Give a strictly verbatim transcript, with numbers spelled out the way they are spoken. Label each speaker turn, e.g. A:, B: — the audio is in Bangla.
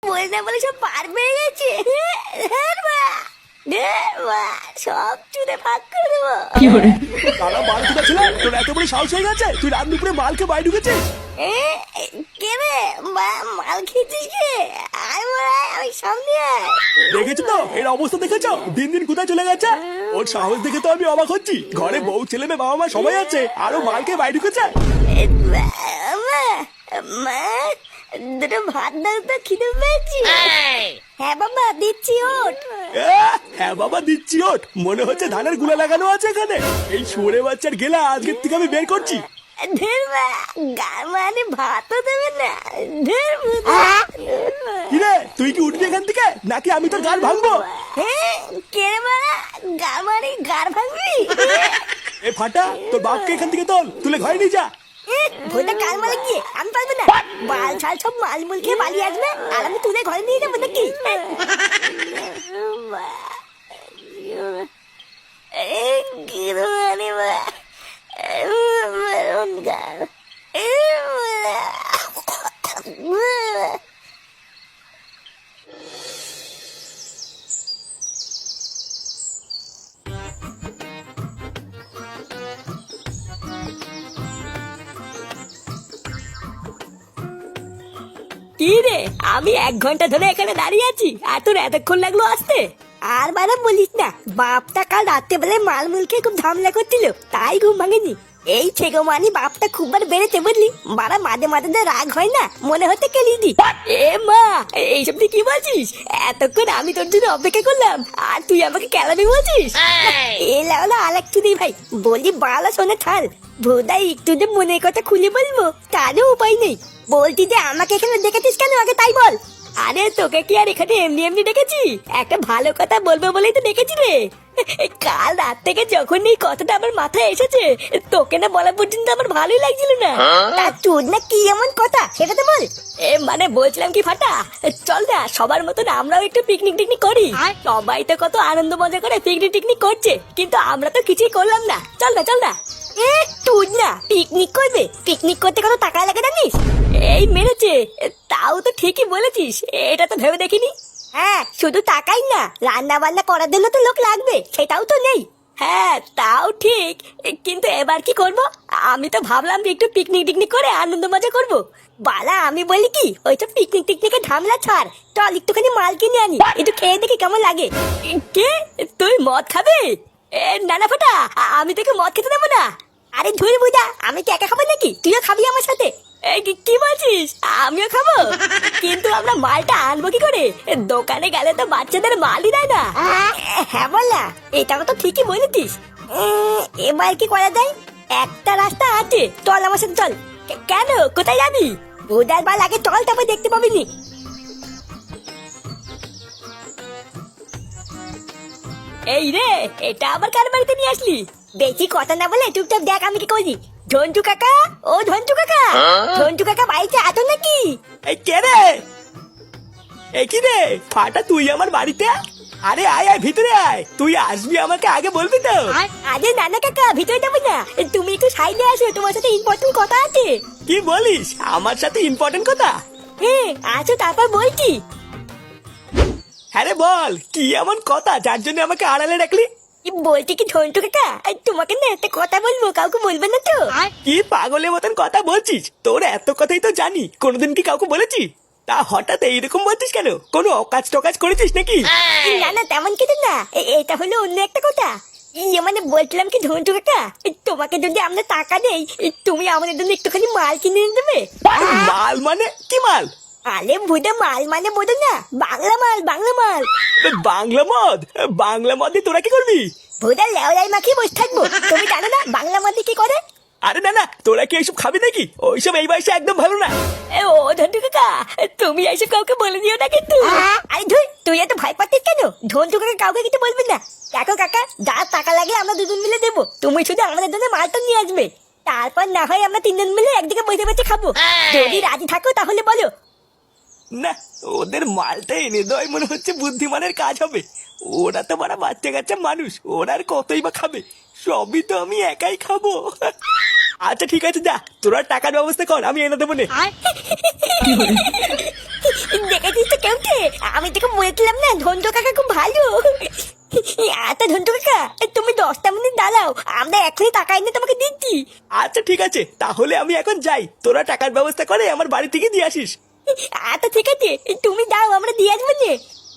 A: বলে না বলে সব পার পেয়ে গেছে। সব চুরে ভাগ করে দেবো।
B: তারা মাল কোথা ছিল? তোর এত বড় সাহস হয়ে গেছে তুই রাত দুপুরে মালকে বাইরে ঢুকেছিস?
A: কে রে মাল খেয়েছিস কে? আয় মারায় আমি সামনে আয়।
B: দেখেছো তো এর অবস্থা দেখেছো? দিন দিন কোথায় চলে গেছে? ওর সাহস দেখে তো আমি অবাক হচ্ছি। ঘরে বউ ছেলে মেয়ে বাবা মা সবাই আছে আরো মালকে বাইরে ঢুকেছে।
A: মা দুটো ভাত দাও তো, খিদে পেয়েছি। হ্যাঁ বাবা দিচ্ছি, ওঠ।
B: হ্যাঁ বাবা দিচ্ছি, ওঠ। মনে হচ্ছে ধানের গুলা লাগানো আছে এখানে। এই শুয়োরে বাচ্চার গেলা আজকের থেকে আমি বের করছি।
A: মানে ভাতও দেবে না।
B: কিরে তুই কি উঠবি এখান থেকে নাকি আমি তোর গাল ভাঙবো?
A: কে রে মারা গাল মারি গাল ভাঙবি?
B: এ ফাটা তোর বাপকে এখান থেকে তোল, তুলে ঘরে নিয়ে যা।
A: ভোটা কাল মারে গিয়ে আমি পারবো না। বাল ছাল সব মাল মুল খেয়ে পালিয়ে আসবে আর আমি তুলে ঘরে নিয়ে যাবো নাকি? কি রে আমি এক ঘন্টা ধরে এখানে দাঁড়িয়ে আছি আর তোর এতক্ষণ লাগলো আসতে? আর বারা বলিস না, বাপটা কাল রাত্রে বেলায় মাল মুল খেয়ে খুব ঝামেলা করছিল, তাই ঘুম ভাঙেনি। এই ছেগো মানি বাপটা খুব বার বেড়েছে বুঝলি। বারা মাঝে মাঝে যে রাগ হয় না মনে হতে কেলি দি। এ মা এইসব তুই কি বলছিস? এতক্ষণ আমি তোর জন্য অপেক্ষা করলাম আর তুই আমাকে কেলামি বলছিস? এলা ওলা আলেক তুই ভাই বলি বালা শোনে থাল ভোদাই একটু যে মনের কথা খুলে বলবো তারও উপায় নেই। বলতি যে আমাকে এখানে দেখেছিস কেন আগে তাই বল। আরে তোকে কি আর এখানে এমনি এমনি ডেকেছি? একটা ভালো কথা বলবো বলেই তো ডেকেছি রে। কাল রাত থেকে যখন এই কথাটা আমার মাথায় এসেছে তোকে না বলা পর্যন্ত আমার ভালোই লাগছিল না। তা তোর না কি এমন কথা সেটা তো বল। এ মানে বলছিলাম কি ফাটা, চল না সবার মতন আমরাও একটু পিকনিক টিকনিক করি। সবাই তো কত আনন্দ মজা করে পিকনিক টিকনিক করছে কিন্তু আমরা তো কিছুই করলাম না। চল না চল না। এ তুই না পিকনিক করবে? পিকনিক করতে কত টাকা লাগে জানিস? এই মেরেছে। তাও তো ঠিকই বলেছিস, এটা তো ভেবে দেখিনি। হ্যাঁ শুধু টাকাই না, রান্না বান্না করার জন্য তো লোক লাগবে, সেটাও তো নেই। হ্যাঁ তাও ঠিক, কিন্তু এবার কি করব? আমি তো ভাবলাম যে একটু পিকনিক টিকনিক করে আনন্দ মজা করব। বালা আমি বলি কি ওইসব পিকনিক টিকনিকে ঝামেলা ছাড়, চল একটুখানি মাল কিনে আনি, একটু খেয়ে দেখি কেমন লাগে। কে তুই মদ খাবে? এ না না ফাটা আমি তোকে মদ খেতে দেবো না। আরে ধুর বুঝা আমি কি একা খাবো নাকি? তুইও খাবি আমার সাথে? কি বলছিস? আমিও খাবো? কিন্তু আমরা মালটা আনবো কি করে? দোকানে গেলে তো বাচ্চাদের মালই দেয় না। হ্যাঁ বল না, এটাও তো ঠিকই বলেছিস। এবার কি করা যায়? একটা রাস্তা আছে, চল আমার সাথে চল। কেন কোথায় যাবি? বুধার বাল আগে চল তারপর দেখতে পাবি নি। এই রে এটা আবার কার বাড়িতে নিয়ে আসলি? বেশি কথা না বলে চুপচাপ দেখ আমি কি করি। ঝন্টু কাকা, ও ঝন্টু কাকা, ঝন্টু কাকা বাড়িতে আছো নাকি?
B: এই কে রে? এই কি রে ফাটা তুই আমার বাড়িতে? আরে আয় আয় ভিতরে আয়, তুই আসবি আমাকে আগে বলবি তো।
A: আরে নানা কাকা ভিতরে যাবো না, তুমি একটু সাইডে আসো, তোমার সাথে ইম্পর্টেন্ট কথা আছে।
B: কি বলিস? আমার সাথে ইম্পর্টেন্ট কথা?
A: হ্যাঁ আসো তারপর বলছি।
B: হ্যাঁ রে বল, কি এমন কথা যার জন্য আমাকে আড়ালে রাখলি?
A: বলছি কি ঝন্টু কাকা তোমাকে না একটা কথা বলবো, কাউকে বলবে না তো?
B: কি পাগলের মতন কথা বলছিস? তোর এত কথাই তো জানি, কোনোদিন কি কাউকে বলেছি? তা হঠাৎ এইরকম বলছিস কেন? কোনো অকাজ টকাজ করেছিস নাকি?
A: না না তেমন কিছু না, এটা হলো অন্য একটা কথা। ইয়ে মানে বলছিলাম কি ঝন্টু কাকা তোমাকে যদি আমরা টাকা দেই তুমি আমাদের জন্য একটুখানি মাল কিনে এনে দেবে।
B: মাল মানে কি মাল?
A: আরে বুঝে মাল মানে বোঝো না, বাংলা মাল বাংলা মাল।
B: বাংলা মদ? বাংলা মদে তোরা কি করবি?
A: ভুদা লেওলাই মাখিয়ে বসে থাকবো, তুমি জানো না বাংলা মদে কি করে?
B: আরে না না তোরা কি এইসব খাবি নাকি? ওইসব এই বয়সে একদম ভালো না।
A: ও ঝন্টু কাকা তুমি এইসব কাউকে বলে দিও না কিন্তু। আরে ধুই তুই এত ভয় পাচ্ছিস কেন? ঝন্টু কাকা কাউকে কিছু বলবি না। দেখো কাকা যা টাকা লাগে আমরা দুজন মিলে দেবো, তুমি শুধু আমাদের জন্য মালটা নিয়ে আসবে, তারপর না হয় আমরা তিনজন মিলে একদিকে বসে বসে খাবো। যদি রাজি থাকো তাহলে বলো।
B: না ওদের মালটা এনে দেওয়াই মনে হচ্ছে বুদ্ধিমানের কাজ হবে। ওরা তো বড় বাচ্চা কাচ্চা মানুষ, ওরা আর কতই বা খাবে, সবই তো আমি একাই খাবো। আচ্ছা ঠিক আছে যা, তোরা টাকার ব্যবস্থা কর, আমি এনে দেবো নে।
A: দেখেছিস তো কেমতে আমি তোকে বলেছিলাম না ধন্টু কাকা খুব ভালো। আচ্ছা ধন্টু কাকা তুমি দশটা মিনিট দাঁড়াও, আমরা এখনই টাকা এনে তোমাকে দিচ্ছি।
B: আচ্ছা ঠিক আছে, তাহলে আমি এখন যাই, তোরা টাকার ব্যবস্থা করে আমার বাড়ি থেকে দিয়ে আসিস।
A: আচ্ছা ঠিক আছে, তুমি দাও আমরা দিয়ে আসবো নে।